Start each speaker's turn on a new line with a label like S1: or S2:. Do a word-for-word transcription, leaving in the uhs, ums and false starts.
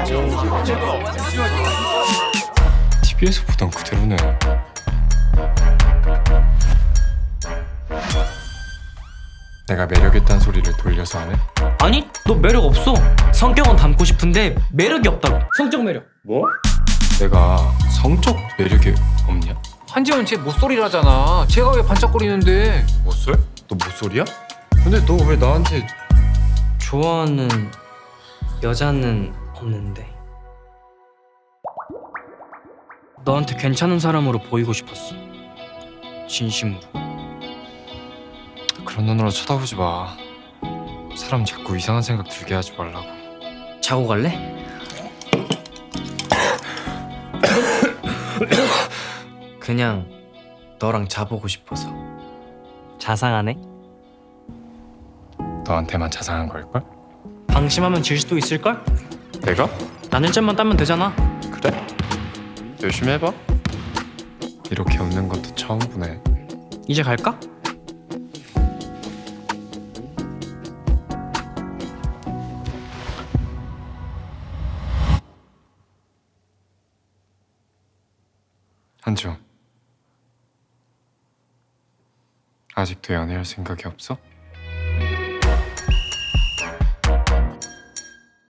S1: 티비에서 보던 그대로네. 내가 매력있단 소리를 돌려서 하네?
S2: 아니, 너 매력 없어. 성격은 닮고 싶은데 매력이 없다고. 성적 매력.
S1: 뭐? 내가 성적 매력이 없냐?
S3: 한지원 쟤 못소리라잖아. 쟤가 왜 반짝거리는데?
S1: 못쏠? 너 못쏠이야? 근데 너 왜 나한테
S2: 좋아하는 여자는 없는데 너한테 괜찮은 사람으로 보이고 싶었어. 진심으로.
S1: 그런 눈으로 쳐다보지 마. 사람 자꾸 이상한 생각 들게 하지 말라고.
S2: 자고 갈래? 그냥 너랑 자보고 싶어서. 자상하네?
S1: 너한테만 자상한 걸걸?
S2: 방심하면 질 수도 있을걸?
S1: 내가?
S2: 난 일 점만 따면 되잖아.
S1: 그래? 열심히 해봐. 이렇게 웃는 것도 처음 보네.
S2: 이제 갈까?
S1: 한지원, 아직도 연애할 생각이 없어?